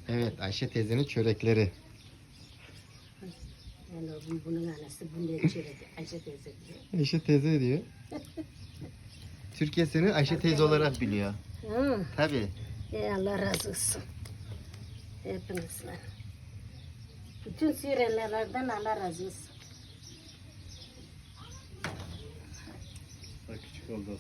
Evet, Ayşe teyzenin çörekleri. Yani bunun anası bunu çörek Ayşe teyze diyor. Ayşe teyze diyor. Türkiye seni Ayşe teyze olarak biliyor. Hı. Tabii. Allah razı olsun. Hepinizden. Bütün Suriyelilerden Allah razı olsun. Bak küçük oldu.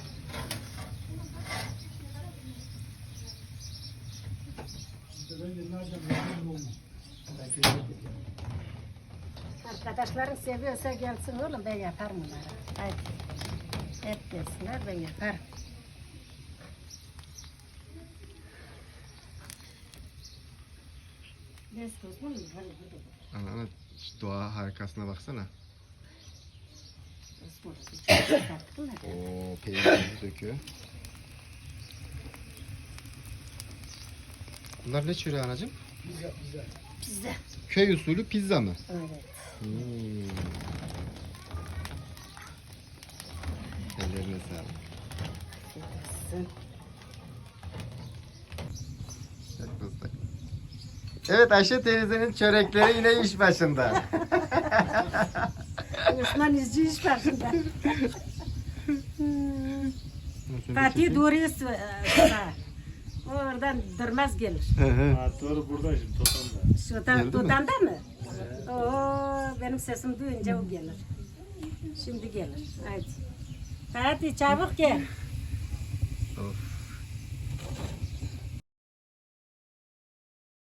Arkadaşların seviyorsa gelsin oğlum, ben yaparım onlara. Haydi. Hep gelsinler, ben yaparım. Bez toz mu? Ana, şu doğa harikasına baksana. Oo, peynirimizi döküyor. Bunlar ne çöreği anacığım? Pizza. Köy usulü pizza mı? Evet. Ellerine sağlık. Çok ıslak. Evet, Ayşe teyzenin çörekleri yine iş başında. Osman izci iş başında. Fatih doğruyu oradan durmaz gelir. Ha, doğru burada şimdi Totan'da. Şuradan Geldi mi? Tutan'da mı? Oo, benim sesim duyunca o gelir. Şimdi gelir. Haydi. Fatih çabuk gel. Of.